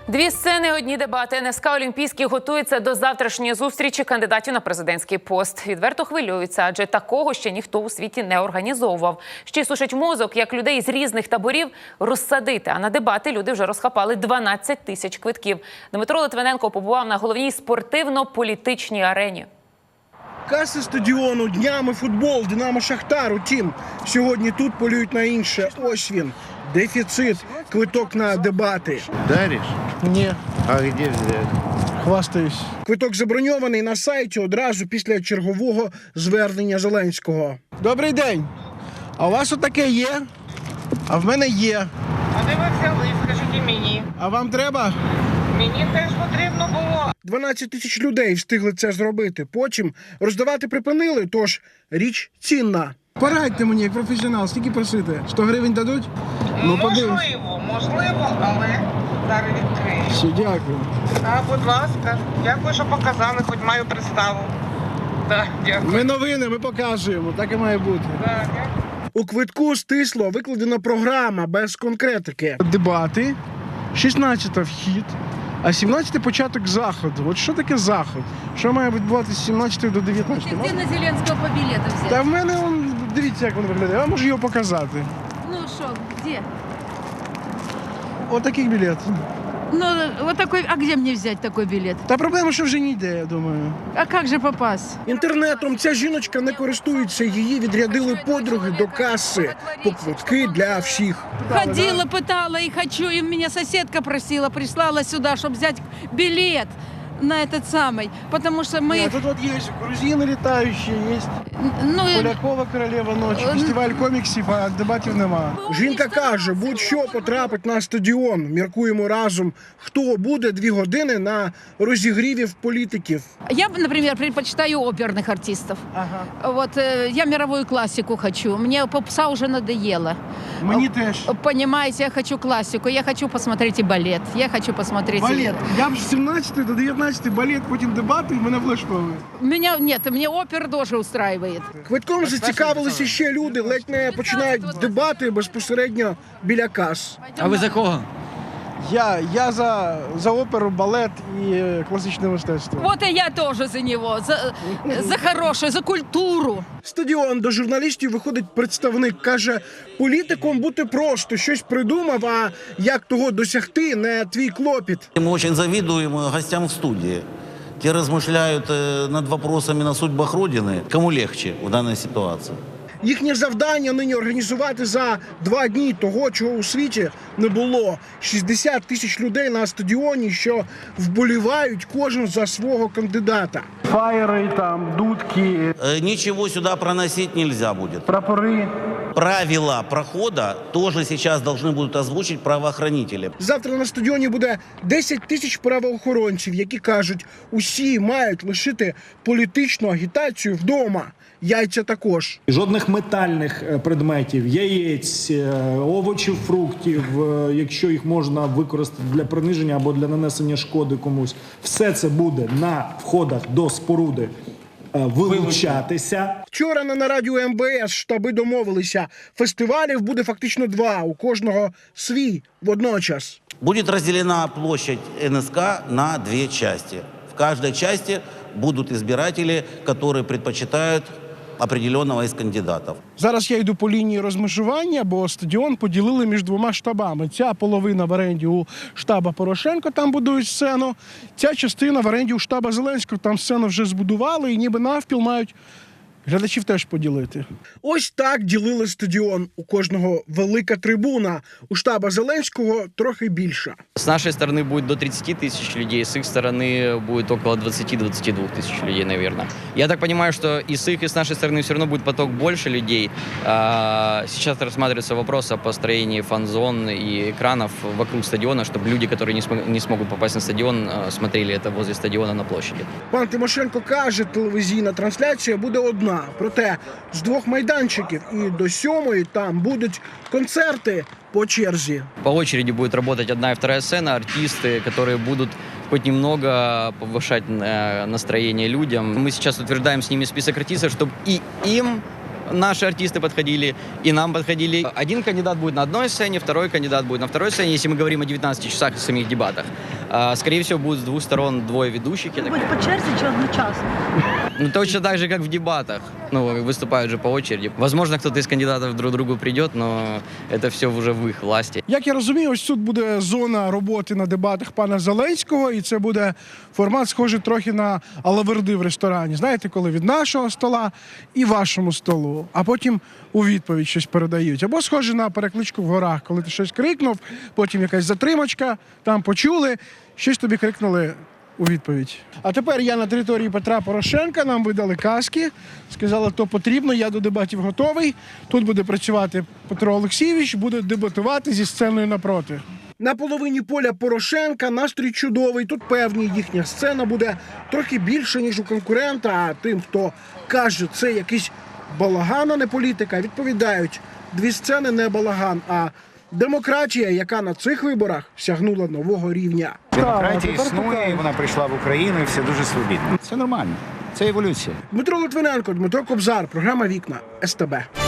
Дві сцени, одні дебати. НСК «Олімпійський» готується до завтрашньої зустрічі кандидатів на президентський пост. Відверто хвилюються, адже такого ще ніхто у світі не організовував. Ще й сушить мозок, як людей з різних таборів розсадити. А на дебати люди вже розхапали 12 тисяч квитків. Дмитро Литвиненко побував на головній спортивно-політичній арені. Каси стадіону, днями футбол, Динамо-Шахтар. Утім, сьогодні тут полюють на інше. Ось він. Дефіцит. Квиток на дебати. Даришь? Ні. А где взять? Хвастаюсь. Квиток заброньований на сайті одразу після чергового звернення Зеленського. Добрий день. А у вас отаке є? А в мене є. А де ви взяли, скажіть мені? А вам треба? Мені теж потрібно було. 12 тисяч людей встигли це зробити. Потім роздавати припинили, тож річ цінна. Порадьте мені, як професіонал, скільки просити? 100 гривень дадуть? Можливо, але зараз відкрию. Все, дякую. А, будь ласка, дякую, що показали, хоч маю представу. Так, дякую. Ми новини, ми показуємо, так і має бути. Так, дякую. У квитку стисло викладена програма без конкретики. Дебати, 16-та вхід, а 17-й початок заходу. От що таке заход? Що має відбуватися з 17 до 19? Где на Зеленского по билету взять? Та в мене, дивіться, як він виглядає. Я можу його показати. Ну что, где? Отакий білет. Ну, вот такой, а где мне взять такой билет? Та проблема, що вже ніде, я думаю. А как же попасть? Інтернетом ця жіночка не користується, її відрядили подруги до каси по квитки для всіх. Ходила, пытала и хочу, и меня соседка просила, прислала сюда, чтобы взять билет на этот самый, потому что мы... Ні, тут от є грузини літаючі, є Ну, Полякова королева ночі, фестиваль коміксів, а дебатів нема. Жінка каже, будь-що потрапить на стадіон. Міркуємо разом, хто буде 2 години на розігрівів політиків. я, например, предпочитаю оперных артистов. Ага. Вот я мировую классику хочу. Мне попса уже надоело. Мені теж. Понимаете, я хочу классику, я хочу посмотреть и балет, я хочу посмотреть... Балет. Я б з 17 до 19 балет, потім дебати, і мене влаштовує. Меня нет, мне опер тоже устраивает. Квитком зацікавилися ще люди, ледь не починають дебати безпосередньо біля кас. А ви за кого? Я за оперу, балет і класичне мистецтво. Вот и я тоже за него, за хорошее, за культуру. Стадіон до журналістів виходить представник, каже, політиком бути просто, щось придумав, а як того досягти, не твій клопіт. Мы очень завидуем гостям в студии. Те размышляют над вопросами на судьбах Родины. Кому легче в данной ситуации? Їхнє завдання нині організувати за 2 дні того, чого у світі не було. 60 тисяч людей на стадіоні, що вболівають кожен за свого кандидата. Фаєри, там, дудки, Ничего сюда проносить нельзя будет. прапори. Правила прохода тоже сейчас должны будут озвучить правоохранители. Завтра на стадіоні буде 10 тисяч правоохоронців, які кажуть, усі мають лишити політичну агітацію вдома. Яйця також. Жодних метальних предметів, яєць, овочів, фруктів, якщо їх можна використати для приниження або для нанесення шкоди комусь. Все це буде на входах до споруди вилучатися. Вчора на нараді у МВС штаби домовилися. Фестивалів буде фактично 2, у кожного свій водночас. Будет разделена площадь НСК на 2 части. В каждой части будут избиратели, которые предпочитают определенного из кандидатов. Зараз я йду по лінії розмежування, бо стадіон поділили між 2 штабами. Ця половина в оренді у штаба Порошенко, там будують сцену. Ця частина в оренді у штаба Зеленського, там сцену вже збудували і ніби навпіл мають глядачів теж поділити. Ось так ділили стадіон. У кожного велика трибуна. У штаба Зеленського трохи більша. С нашей стороны будет до 30 тысяч людей, с их стороны будет около 20-22 тысяч людей, наверное. Я так понимаю, что и с их, и с нашей стороны все равно будет поток больше людей. Сейчас рассматривается вопрос о построении фан-зон и экранов вокруг стадиона, чтобы люди, которые не смогут попасть на стадион, смотрели это возле стадиона на площади. Пан Тимошенко каже, телевізійна трансляція буде одна. Проте з 2 майданчиків і до 7-ї там будуть концерти по черзі. По очереди будет работать одна и вторая сцена, артисты, которые будут хоть немного повышать настроение людям. Мы сейчас утверждаем с ними список артистов, чтобы и им наши артисты подходили, и нам подходили. Один кандидат будет на одной сцене, второй кандидат будет на второй сцене. Если мы говорим о 19 часах и самих дебатах, скорее всего, будет с двух сторон двое ведущих. Будь по черзі чи одночасно? Ну, точно так же, как в дебатах. Ну, выступают же по очереди. Возможно, кто-то из кандидатов друг к другу придет, но это все уже в их власти. Як я розумію, ось тут буде зона роботи на дебатах пана Зеленського, і це буде формат схожий трохи на алаверди в ресторані. Знаєте, коли від нашого стола і вашому столу, а потім у відповідь щось передають. Або схоже на перекличку в горах, коли ти щось крикнув, потім якась затримочка, там почули, щось тобі крикнули у відповідь. А тепер я на території Петра Порошенка, нам видали каски, сказали, то потрібно, я до дебатів готовий. Тут буде працювати Петро Олексійович, буде дебатувати зі сценою напроти. На половині поля Порошенка настрій чудовий. Тут певні їхня сцена буде трохи більше, ніж у конкурента, а тим, хто каже, це якийсь балаган, а не політика, відповідають, дві сцени не балаган, а демократія, яка на цих виборах сягнула нового рівня. Демократія існує, і вона прийшла в Україну, і все дуже свобідно. Це нормально, це еволюція. Дмитро Литвиненко, Дмитро Кобзар, програма «Вікна», СТБ.